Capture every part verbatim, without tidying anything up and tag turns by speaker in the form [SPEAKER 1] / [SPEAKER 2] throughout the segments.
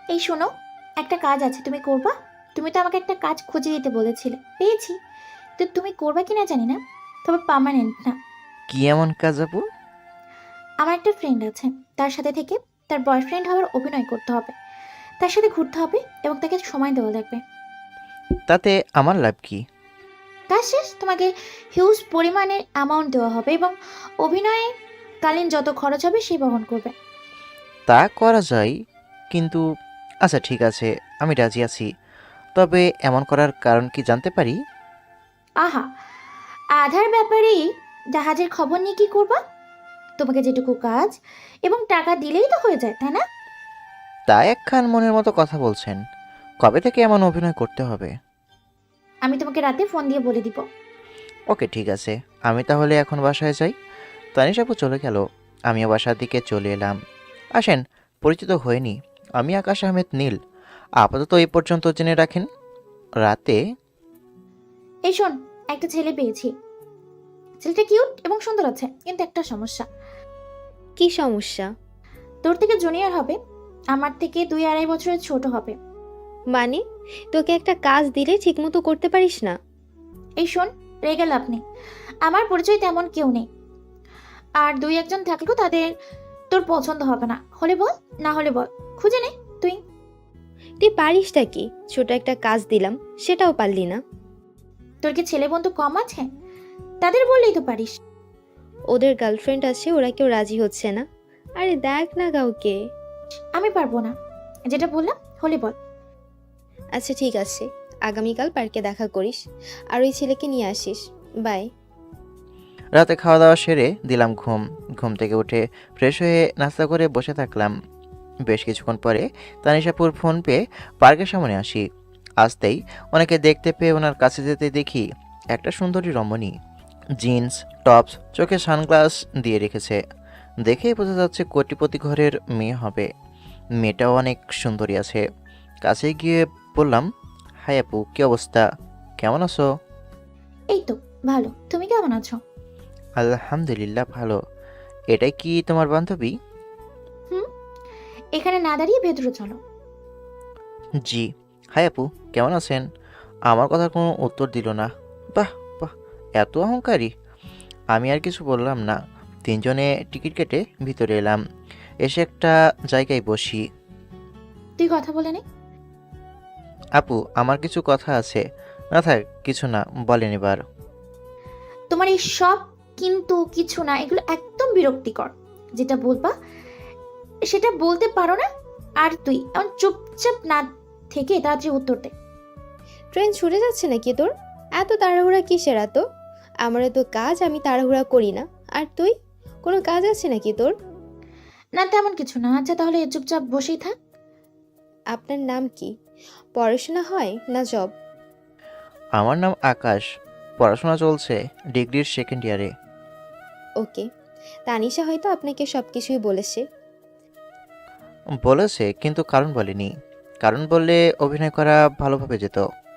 [SPEAKER 1] এই শোনো, একটা কাজ আছে, তুমি করবা? তুমি তো আমাকে একটা কাজ খুঁজে দিতে বলেছিলে, পেয়েছি। তো তুমি করবা কিনা জানি না, তবে পার্মানেন্ট না।
[SPEAKER 2] কি এমন কাজ আপু?
[SPEAKER 1] আমার একটা ফ্রেন্ড আছে, তার সাথে থেকে তার বয়ফ্রেন্ড হওয়ার অভিনয় করতে হবে, তার সাথে ঘুরতে হবে এবং তাকে সময় দেওয়া লাগবে।
[SPEAKER 2] তাতে আমার লাভ কি?
[SPEAKER 1] কাজ শেষ তোমাকে হিউজ পরিমাণের অ্যামাউন্ট দেওয়া হবে এবং অভিনয়ে কালীন যত খরচ হবে সে বহন করবে।
[SPEAKER 2] তা করা যায়, কিন্তু আচ্ছা ঠিক আছে, আমি রাজি আছি। তবে এমন করার কারণ কি জানতে পারি?
[SPEAKER 1] আহা, আধার ব্যাপারেই জাহাজের খবর নিয়ে কি করবা? তোমাকে যেটুকু কাজ এবং টাকা দিলেই তো হয়ে যায়, তাই না?
[SPEAKER 2] তা একখান মনের মতো কথা বলছেন। কবে থেকে এমন অভিনয় করতে হবে?
[SPEAKER 1] আমি তোমাকে রাতে ফোন দিয়ে বলে দিব।
[SPEAKER 2] ওকে ঠিক আছে, আমি তাহলে এখন বাসায় যাই। তানিশ আপু চলে গেল, আমিও বাসার দিকে চলে এলাম। আসেন, পরিচিত হয়নি, আমি আকাশ আহমেদ নীল। আপাতত এই পর্যন্ত জেনে রাখেন। রাতে
[SPEAKER 1] এই শোন, একটা ছেলে পেয়েছি। ছেলেটা কিউট এবং সুন্দর আছে, কিন্তু একটা সমস্যা।
[SPEAKER 3] কি সমস্যা?
[SPEAKER 1] তোর থেকে জুনিয়র হবে, আমার থেকে দুই আড়াই বছরের ছোট হবে।
[SPEAKER 3] মানে, তোকে একটা কাজ দিলে ঠিকমতো করতে পারিস না?
[SPEAKER 1] এই শোন, রেগে লাভ নেই, আমার পরিচয় তেমন কেউ নেই। আর দুই একজন থাকলেও তাদের তোর পছন্দ হবে না, হলে বল, না হলে বল, খুঁজে নে তুই।
[SPEAKER 3] তুই পারিসটা কি? ছোট একটা কাজ দিলাম, সেটাও পারলি না।
[SPEAKER 1] তোর কি ছেলে বন্ধু কম আছে? তাদের বললেই তো পারিস।
[SPEAKER 3] ওদের গার্লফ্রেন্ড আছে, ওরা কেউ রাজি হচ্ছে না। আরে দেখ না কাউকে।
[SPEAKER 1] আমি পারবো না, যেটা বললাম হলে বল।
[SPEAKER 3] আচ্ছা ঠিক আছে, আগামীকাল পার্কে দেখা করিস, আর ওই ছেলেকে নিয়ে আসিস। বাই।
[SPEAKER 2] রাতে খাওয়া দাওয়া সেরে দিলাম ঘুম। ঘুম থেকে উঠে ফ্রেশ হয়ে নাস্তা করে বসে থাকলাম। বেশ কিছুক্ষণ পরে তানিশাপুর ফোন পেয়ে পার্কের সামনে আসি। আসতেই ওনাকে দেখতে পেয়ে ওনার কাছে যেতে দেখি একটা সুন্দরী রমণী, জিন্স টপস, চোখে সানগ্লাস দিয়ে রেখেছে। দেখেই বোঝা যাচ্ছে কোটিপতি ঘরের মেয়ে হবে। মেয়েটাও অনেক সুন্দরী আছে। কাছে গিয়ে বললাম, হাই আপু, কী অবস্থা, কেমন আছো?
[SPEAKER 1] এই তো ভালো, তুমি কেমন আছো?
[SPEAKER 2] আলহামদুলিল্লাহ ভালো। এটাই কি তোমার বান্ধবী?
[SPEAKER 1] হুম, এখানে না দাঁড়িয়ে ভেতরে চলো।
[SPEAKER 2] জি। হাই আপু, কেমন আছেন? আমার কথার কোনো উত্তর দিল না। বাহ বাহ, এত অহংকারী। আমি আর কিছু বললাম না। তিনজনে টিকিট কেটে ভিতরে এলাম। এসে একটা জায়গায় বসি।
[SPEAKER 1] তুই কথা বলে নে।
[SPEAKER 2] আপু, আমার কিছু কথা আছে। না থাক, কিছু না, বলেন এবার।
[SPEAKER 1] তোমার এই সব কিন্তু কিছু না, এগুলো একদম বিরক্তিকর। যেটা বলবা সেটা বলতে পারো না। আর তুই এমন চুপচাপ না থেকে তাড়াতাড়ি উত্তর দে।
[SPEAKER 3] ট্রেন ছুটে যাচ্ছে নাকি তোর? এত তাড়াহুড়া কিসের এত? আমার তো কাজ, আমি তাড়াহুড়া করি না। আর তুই, কোনো কাজ আছে নাকি তোর?
[SPEAKER 1] না তেমন কিছু না। আচ্ছা তাহলে চুপচাপ বসেই থাক।
[SPEAKER 3] আপনার নাম কি? পড়াশোনা হয় না জব?
[SPEAKER 2] আমার নাম আকাশ। পড়াশোনা চলছে, ডিগ্রির সেকেন্ড ইয়ারে।
[SPEAKER 3] ওকে। তানিশা হয়তো আপনাকে সব কিছুই বলেছে।
[SPEAKER 2] বলেছে, কিন্তু কারণ বলেনি। কারণ বললে অভিনয় করা ভালোভাবে যেত।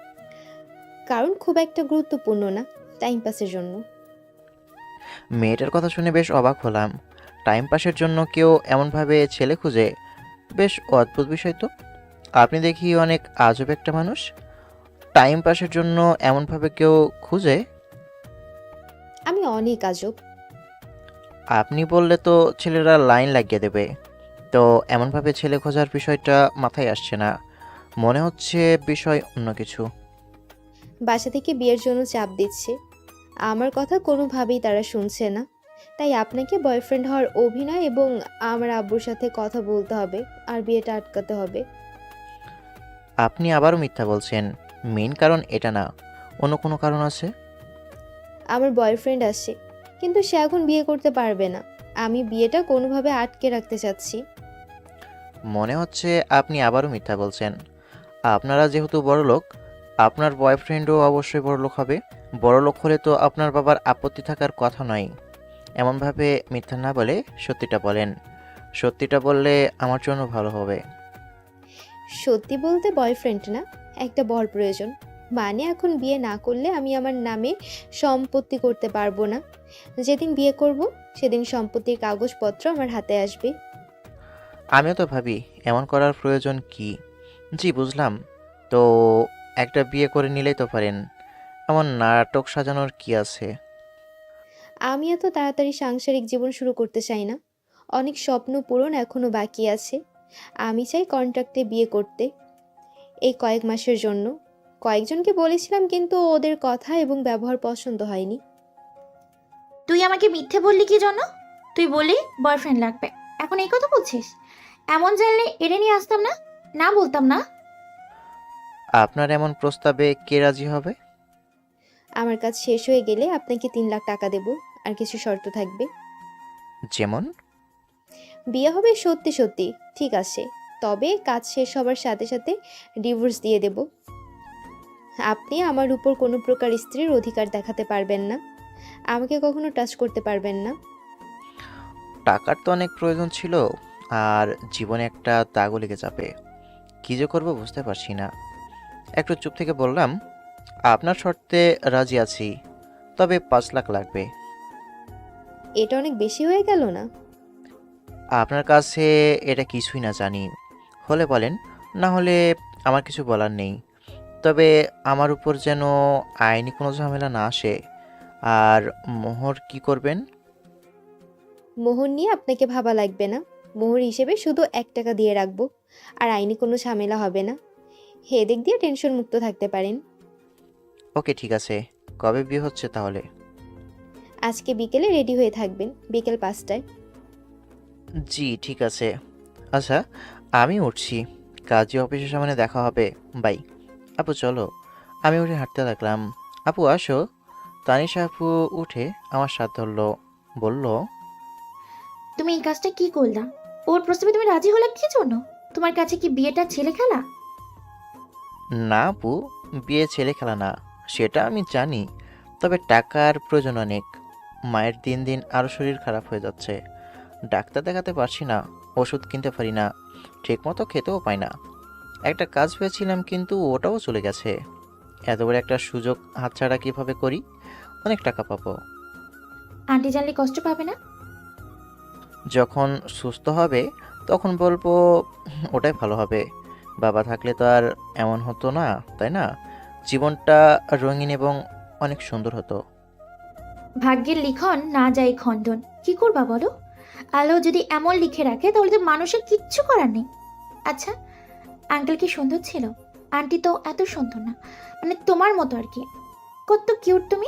[SPEAKER 3] কারণ খুব একটা গুরুত্বপূর্ণ না, টাইম পাসের জন্য।
[SPEAKER 2] মেয়েটার কথা শুনে বেশ অবাক হলাম। টাইম পাসের জন্য কেউ এমনভাবে ছেলে খুঁজে, বেশ অদ্ভুত বিষয় তো। আপনি দেখি অনেক আজব একটা মানুষ। টাইম পাসের জন্য এমনভাবে কেউ খুঁজে?
[SPEAKER 3] আমি অনেক আজব।
[SPEAKER 2] আপনি বললে তো ছেলেরা লাইন লাগিয়ে দেবে। তো এমনভাবে ছেলে খোঁজার বিষয়টা মাথায় আসছে না। মনে হচ্ছে বিষয় অন্য কিছু।
[SPEAKER 3] বাসা থেকে বিয়ের জন্য চাপ দিচ্ছে। আমার কথা কোনোভাবেই তারা শুনছে না। তাই আপনাকে বয়ফ্রেন্ড হওয়ার অভিনয় এবং আমার আব্বুর সাথে কথা বলতে হবে, আর বিয়েটা আটকাতে হবে।
[SPEAKER 2] আপনি আবারও মিথ্যা বলছেন। মেইন কারণ এটা না, অন্য কোনো কারণ আছে?
[SPEAKER 3] আমার বয়ফ্রেন্ড আছে, কিন্তু সে এখন বিয়ে করতে পারবে না। আমি বিয়েটা কোনোভাবে আটকে রাখতে চাচ্ছি।
[SPEAKER 2] মনে হচ্ছে আপনি আবারও মিথ্যা বলছেন। আপনারা যেহেতু বড়লোক, আপনার বয়ফ্রেন্ডও অবশ্যই বড়লোক হবে। বড়লোক হলে তো আপনার বাবার আপত্তি থাকার কথা নয়। এমনভাবে মিথ্যা না বলে সত্যিটা বলেন। সত্যিটা বললে আমার জন্য ভালো হবে।
[SPEAKER 3] সত্যি বলতে বয়ফ্রেন্ড না, একটা বর প্রয়োজন। মানে এখন বিয়ে না করলে আমি আমার নামে সম্পত্তি করতে পারবো না। যেদিন বিয়ে করব সেদিন সম্পত্তির কাগজপত্র আমার হাতে আসবে।
[SPEAKER 2] আমিও তো ভাবি এমন করার প্রয়োজন কি। জি বুঝলাম। তো একটা বিয়ে করে নিলেই তো পারেন, এমন নাটক সাজানোর কি আছে?
[SPEAKER 3] আমি এত তাড়াতাড়ি সাংসারিক জীবন শুরু করতে চাই না। অনেক স্বপ্ন পূরণ এখনো বাকি আছে। আমি চাই কন্ট্রাক্টে বিয়ে করতে, এই কয়েক মাসের জন্য। কয়েকজনকে বলেছিলাম কিন্তু ওদের কথা এবং ব্যবহার পছন্দ হয়নি।
[SPEAKER 1] তুই আমাকে মিথ্যে বললি কি জন্য? তুই বললি বয়ফ্রেন্ড লাগবে, এখন এই কথা বলছিস? এমন জানলে এড়ে নিয়ে আসতাম না, না বলতাম না।
[SPEAKER 2] আপনার এমন প্রস্তাবে কে রাজি হবে?
[SPEAKER 3] আমার কাজ শেষ হয়ে গেলে আপনাকে তিন লাখ টাকা দেব, আর কিছু শর্ত থাকবে।
[SPEAKER 2] যেমন?
[SPEAKER 3] বিয়ে হবে সত্যি সত্যি, ঠিক আছে, তবে কাজ শেষ হবার সাথে সাথে ডিভোর্স দিয়ে দেব। আপনি আমার উপর কোনো প্রকার স্ত্রীর অধিকার দেখাতে পারবেন না, আমাকে কখনো টাচ করতে পারবেন না।
[SPEAKER 2] টাকার তো অনেক প্রয়োজন ছিল, আর জীবনে একটা দাগও লেগে যাবে। কী যে করবো বুঝতে পারছি না। একটু চুপ থেকে বললাম, আপনার শর্তে রাজি আছি, তবে পাঁচ লাখ লাগবে।
[SPEAKER 3] এটা অনেক বেশি হয়ে গেল না?
[SPEAKER 2] আপনার কাছে এটা কিছুই না জানি, হলে বলেন, না হলে আমার কিছু বলার নেই। তবে আমার উপর যেন আইনি কোনো ঝামেলা না আসে। আর মোহর কি করবেন?
[SPEAKER 3] মোহর নিয়ে আপনাকে ভাবা লাগবে না। মোহর হিসেবে শুধু এক টাকা দিয়ে রাখবো, আর আইনি কোনো ঝামেলা হবে না। হেদিক দিয়ে টেনশন মুক্ত থাকতে পারেন।
[SPEAKER 2] ওকে ঠিক আছে, কবে বিয়ে হচ্ছে তাহলে?
[SPEAKER 3] আজকে বিকেলে রেডি হয়ে থাকবেন, বিকেল পাঁচটায়।
[SPEAKER 2] জি ঠিক আছে। আচ্ছা, আমি উঠছি, কাজী অফিসের সামনে দেখা হবে। বাই। আপু চলো। আমি উঠে হাঁটতে লাগলাম। আপু আসো। তানিশা আপু উঠে আমার সাথ ধরলো, বলল,
[SPEAKER 1] তুমি এই কাজটা কি করলা? ওর প্রস্তাবে তুমি রাজি হলে কি জন্য? তোমার কাছে কি বিয়েটা ছেলে খেলা?
[SPEAKER 2] না আপু, বিয়ে ছেলে খেলা না, সেটা আমি জানি। তবে টাকার প্রয়োজন অনেক। মায়ের দিন দিন আরও শরীর খারাপ হয়ে যাচ্ছে। ডাক্তার দেখাতে পারছি না, ওষুধ কিনতে পারি না, ঠিকমতো খেতেও পাই না। একটা কাজ পেয়েছিলাম কিন্তু ওটাও চলে গেছে। এত বড় একটা সুযোগ হাতছাড়া কিভাবে করি? অনেক টাকা পাবো।
[SPEAKER 1] আন্টি জানলে কষ্ট পাবে না?
[SPEAKER 2] যখন সুস্থ হবে তখন বলবো, ওটাই ভালো হবে। বাবা থাকলে তো আর এমন হতো না, তাই না? জীবনটা রঙিন এবং অনেক সুন্দর হতো।
[SPEAKER 1] ভাগ্যের লিখন না যায় খণ্ডন, কি করবা বলো? আলো যদি এমন লিখে রাখে তাহলে তো মানুষের কিচ্ছু করার নেই। আচ্ছা, আঙ্কেল কি সুন্দর ছিল? আন্টি তো এত সুন্দর না, মানে তোমার মতো আর কি। কত কিউট তুমি।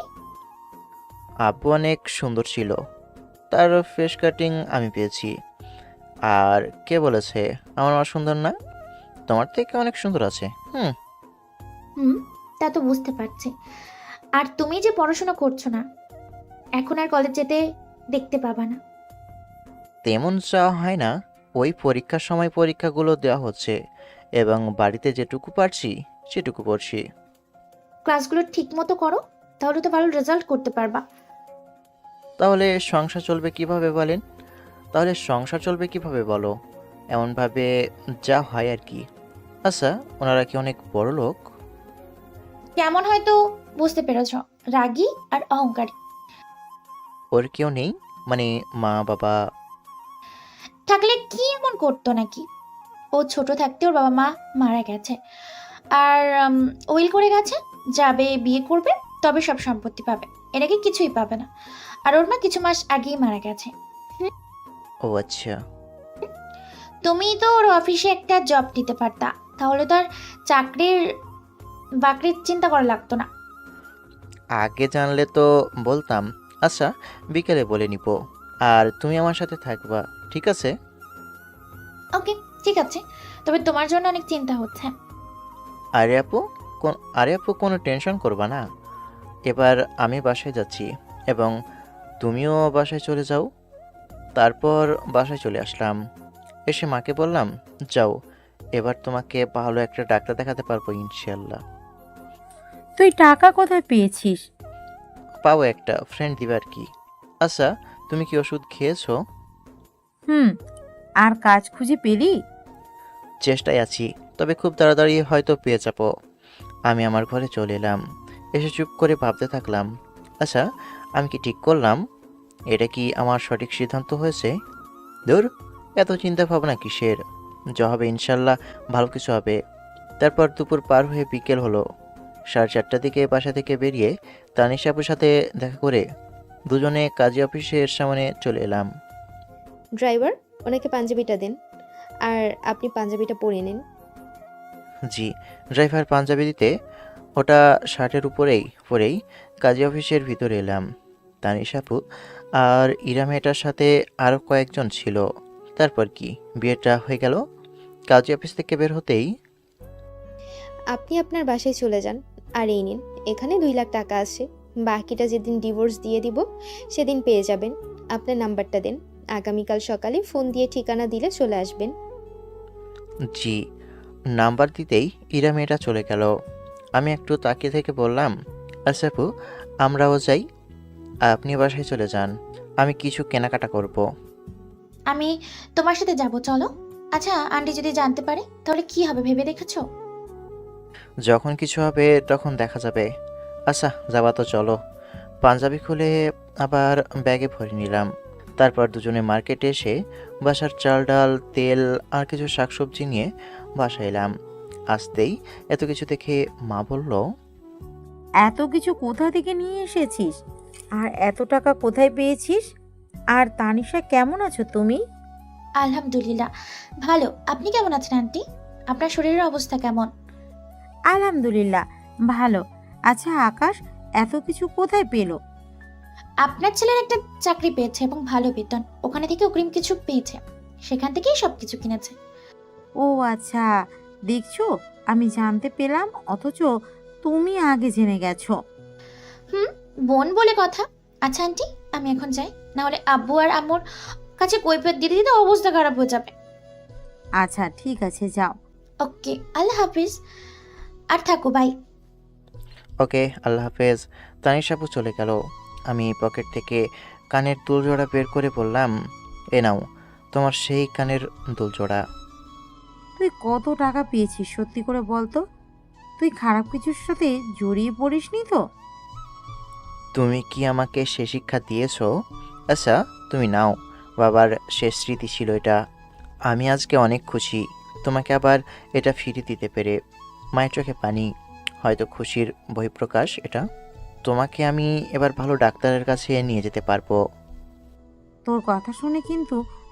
[SPEAKER 2] আব্বু অনেক সুন্দর ছিল, তার ফেস কাটিং আমি পেয়েছি। আর কে বলেছে আমার মা সুন্দর না? তোমার থেকে অনেক সুন্দর আছে। হুম।
[SPEAKER 1] হুম, তা তো বুঝতে পারছি। আর তুমি যে পড়াশোনা করছো না, এখন আর কলেজ যেতে দেখতে পাবা না।
[SPEAKER 2] তেমন চাওয়া হয় না, ওই পরীক্ষার সময় পরীক্ষাগুলো দেওয়া হচ্ছে এবং বাড়িতে যেটুকু পারছি সেটুকু পড়ছি।
[SPEAKER 1] ক্লাসগুলো ঠিক মতো করো, তাহলে তো ভালো রেজাল্ট করতে পারবা।
[SPEAKER 2] তাহলে সংসার চলবে কিভাবে বলেন? তাহলে সংসার চলবে কিভাবে বলো? এমনভাবে যা হয় আর কি। আচ্ছা, ওনারা কি অনেক বড় লোক?
[SPEAKER 1] কেমন হয়তো বুঝতে পেরেছ, রাগী আর অহংকারী।
[SPEAKER 2] ওর কেউ নেই, মানে মা বাবা?
[SPEAKER 1] থাকলে কি এমন করতো নাকি? ও ছোট থাকতে ওর বাবা মা মারা গেছে, আর উইল করে গেছে যাবে বিয়ে করবে তবে সব সম্পত্তি পাবে, এটাকে কিছুই পাবে না। আর ওর মা কিছু মাস আগেই মারা গেছে।
[SPEAKER 2] ও আচ্ছা।
[SPEAKER 1] তুমি তো ওর অফিসে একটা জব দিতে পারতা, তাহলে তো আর চাকরির বাকরির চিন্তা করা লাগতো না।
[SPEAKER 2] আগে জানলে তো বলতাম। আচ্ছা, বিকেলে বলে নিব। আর তুমি আমার সাথে থাকবা, ঠিক আছে?
[SPEAKER 1] ওকে, ঠিক আছে, তবে তোমার জন্য অনেক চিন্তা হচ্ছে।
[SPEAKER 2] আরে আপু, কোন আরে আপু কোনো টেনশন করবা না। এবার আমি বাসায় যাচ্ছি এবং তুমিও বাসায় চলে যাও। তারপর বাসায় চলে আসলাম। এসে মাকে বললাম, যাও, এবার তোমাকে ভালো একটা ডাক্তার দেখাতে পারবো ইনশাল্লাহ।
[SPEAKER 4] তুই টাকা কোথায় পেয়েছিস?
[SPEAKER 2] পাবো, একটা ফ্রেন্ড দিবে আর কি। আচ্ছা, তুমি কি ওষুধ খেয়েছো?
[SPEAKER 4] হুম। আর কাজ খুঁজে পেলি?
[SPEAKER 2] চেষ্টায় আছি, তবে খুব তাড়াতাড়ি হয়তো পেয়ে যাবো। আমি আমার ঘরে চলে এলাম। এসে চুপ করে ভাবতে থাকলাম, আচ্ছা, আমি কি ঠিক করলাম? এটা কি আমার সঠিক সিদ্ধান্ত হয়েছে? ধুর, এত চিন্তা ভাবনা কিসের? যা হবে ইনশাল্লাহ ভালো কিছু হবে। তারপর দুপুর পার হয়ে বিকেল হলো। সাড়ে চারটার দিকে বাসা থেকে বেরিয়ে তানিশা আপুর সাথে দেখা করে দুজনে কাজী অফিসের সামনে চলে এলাম।
[SPEAKER 3] ড্রাইভার, ওনাকে পাঞ্জাবিটা দেন, আর আপনি পাঞ্জাবিটা পরে নিন।
[SPEAKER 2] জি। ড্রাইভার পাঞ্জাবি দিতে ওটা শার্টের উপরেই পরেই কাজী অফিসের ভিতরে এলাম। তানিশা আপু আর ইরা মেয়েটার সাথে আরও কয়েকজন ছিল। তারপর কি বিয়েটা হয়ে গেল। কাজী অফিস থেকে বের হতেই
[SPEAKER 3] আপনি আপনার বাসায় চলে যান, আর এই নিন, এখানে দুই লাখ টাকা আছে। বাকিটা যেদিন ডিভোর্স দিয়ে দিব সেদিন পেয়ে যাবেন। আপনার নাম্বারটা দেন, আগামীকাল সকালে ফোন দিয়ে ঠিকানা দিলে চলে আসবেন।
[SPEAKER 2] জি। নাম্বার দিতেই ইরা মেয়েটা চলে গেল। আমি একটু তাকিয়ে থেকে বললাম, আচ্ছা আপু, আমরাও যাই। আপনি বাসায় চলে যান, আমি কিছু কেনাকাটা করব।
[SPEAKER 1] আমি তোমার সাথে যাব, চলো। আচ্ছা, আন্টি যদি জানতে পারে তাহলে কি হবে ভেবে দেখেছো?
[SPEAKER 2] যখন কিছু হবে তখন দেখা যাবে। আচ্ছা যাবা তো চলো। পাঞ্জাবি খুলে আবার ব্যাগে ভরে নিলাম। তারপর দুজনে মার্কেটে এসে বাসার চাল ডাল তেল আর কিছু শাকসবজি নিয়ে বাসায় এলাম। আসতেই এত কিছু দেখে মা বলল,
[SPEAKER 4] এত কিছু কোথা থেকে নিয়ে এসেছিস? আর এত টাকা কোথায় পেয়েছিস? আর তানিশা, কেমন আছো তুমি?
[SPEAKER 1] আলহামদুলিল্লাহ ভালো। আপনি কেমন আছেন আন্টি? আপনার শরীরের অবস্থা কেমন?
[SPEAKER 4] আলহামদুলিল্লাহ ভালো। আচ্ছা আকাশ, এত কিছু কোথায় পেলো?
[SPEAKER 1] আপনার ছেলের একটা চাকরি পেয়েছে এবং ভালো বেতন, ওখানে থেকে অগ্রিম কিছু পেয়েছে, সেখান থেকেই সব কিছু কিনেছে।
[SPEAKER 4] ও আচ্ছা, দেখছো, আমি জানতে পেলাম অথচ তুমি আগে জেনে গেছো।
[SPEAKER 1] হুম, বোন বলে কথা। আচ্ছা আন্টি, আমি এখন যাই, না হলে আব্বু আর আম্মুর কাছে কৈফিয়ত দিতে দিতে অবস্থা খারাপ হয়ে যাবে।
[SPEAKER 4] আচ্ছা ঠিক আছে, যাও।
[SPEAKER 1] ওকে, আল্লাহ হাফিজ। আর থাকো, বাই।
[SPEAKER 2] ওকে আল্লাহ হাফেজ। তানিশা আপু চলে গেল। আমি পকেট থেকে কানের দুলজোড়া বের করে বললাম, এ নাও তোমার সেই কানের দুলজোড়া।
[SPEAKER 4] তুই কত টাকা পেয়েছিস সত্যি করে বলতো? তুই খারাপ কিছুর সাথে জড়িয়ে পড়িসনি তো?
[SPEAKER 2] তুমি কি আমাকে সে শিক্ষা দিয়েছো? আচ্ছা তুমি নাও, বাবার শেষ স্মৃতি ছিল এটা। আমি আজকে অনেক খুশি তোমাকে আবার এটা ফিরিয়ে দিতে পেরে। মায়ের চোখে পানি, হয়তো খুশির বহিঃপ্রকাশ এটা। তোমাকে আমি এবার ভালো ডাক্তারের কাছে নিয়ে যেতে পারবো।
[SPEAKER 4] তোর কথা শুনে কিন্তু